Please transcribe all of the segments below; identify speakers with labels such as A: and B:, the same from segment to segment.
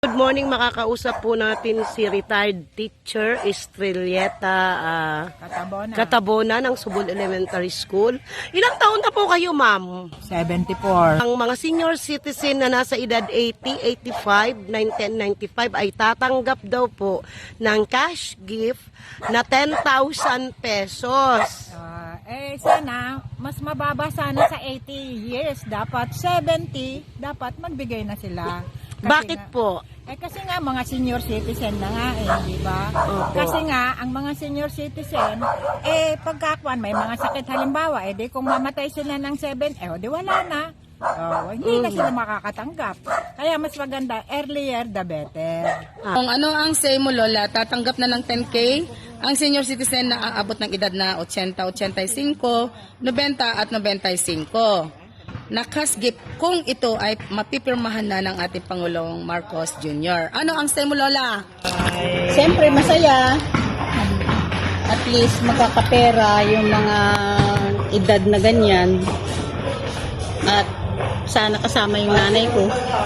A: Good morning, makakausap po natin si retired teacher Estrelleta Catabona ng Subol Elementary School. Ilang taon na po kayo, ma'am?
B: 74.
A: Ang mga senior citizen na nasa edad 80, 85, 1995 ay tatanggap daw po ng cash gift na 10,000 pesos.
B: Sana, mas mababa sana sa 80 years. Dapat 70, dapat magbigay na sila.
A: Bakit po?
B: Kasi nga mga senior citizen na nga di ba? Kasi nga ang mga senior citizen pagkakuan may mga sakit halimbawa di kung mamatay sila ng 7 di wala na. Hindi na sila makakatanggap. Kaya mas maganda earlier the better.
C: Kung ano ang say mo, Lola, tatanggap na ng 10K ang senior citizen na aabot ng edad na 80, 85, 90 at 95. Na cash gift kung ito ay mapipirmahan na ng ating Pangulong Marcos Jr. Ano ang say mo, Lola?
D: Siyempre masaya. At least makakapera yung mga edad na ganyan. At sana kasama yung nanay ko.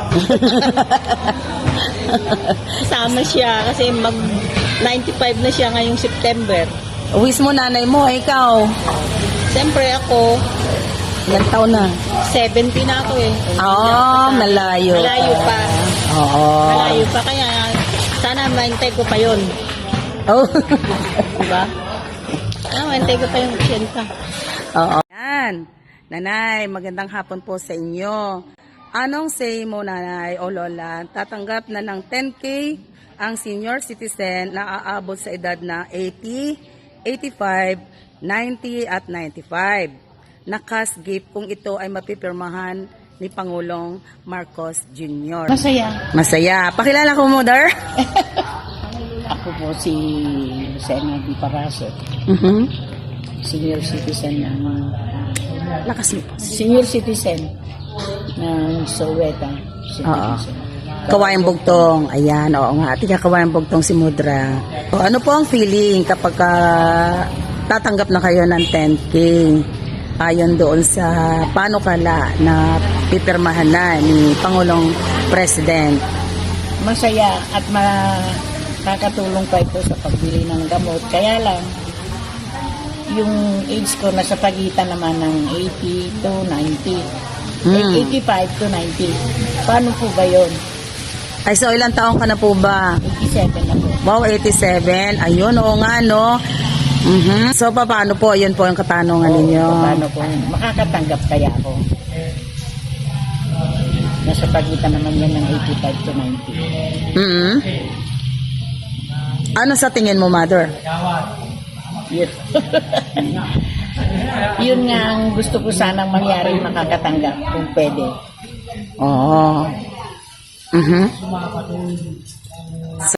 D: Kasama siya kasi mag 95 na siya ngayong September.
C: Uwis mo nanay mo, ikaw.
D: Siyempre ako,
C: Ilang taon na?
D: 70 na ako
C: Malayo.
D: Malayo pa.
C: Oo.
D: Malayo pa kaya sana maintay ko pa yun.
C: Oh.
D: Diba? Maintay ko pa yung 80.
C: Oo. Yan. Nanay, magandang hapon po sa inyo. Anong say mo, nanay o lola? Tatanggap na ng 10K ang senior citizen na aabot sa edad na 80, 85, 90 at 95. Na cash gift kung ito ay mapipirmahan ni Pangulong Marcos Jr. Masaya. Pakilala ko, Mother.
D: Ako po si Sena Di Paraso. Senior citizen ng
C: Lakas mo.
D: senior citizen ng Soweto.
C: Oo. Kawayang Bugtong. Ayan, oo nga. Tika Kawayang Bugtong si Mudra. O, ano po ang feeling kapag tatanggap na kayo ng 10K? Ayon doon sa panukala na pipirmahan na ni Pangulong President.
D: Masaya at makakatulong pa ito sa pagbili ng gamot. Kaya lang, yung age ko nasa pagitan naman ng 80 to 90. 85 to 90. Paano po ba yun?
C: Ay, so ilang taong ka na po ba?
D: 87 na po.
C: Wow, 87. Ayun, oo nga, no? So, paano po? Yun po yung katanungan ninyo.
D: Paano po? Makakatanggap kaya ako? Nasa pagitan naman yan ng 85 to 90.
C: Ano sa tingin mo, Mother?
D: Yun. Yun nga ang gusto ko sanang mangyari, makakatanggap kung pwede.
C: Oo.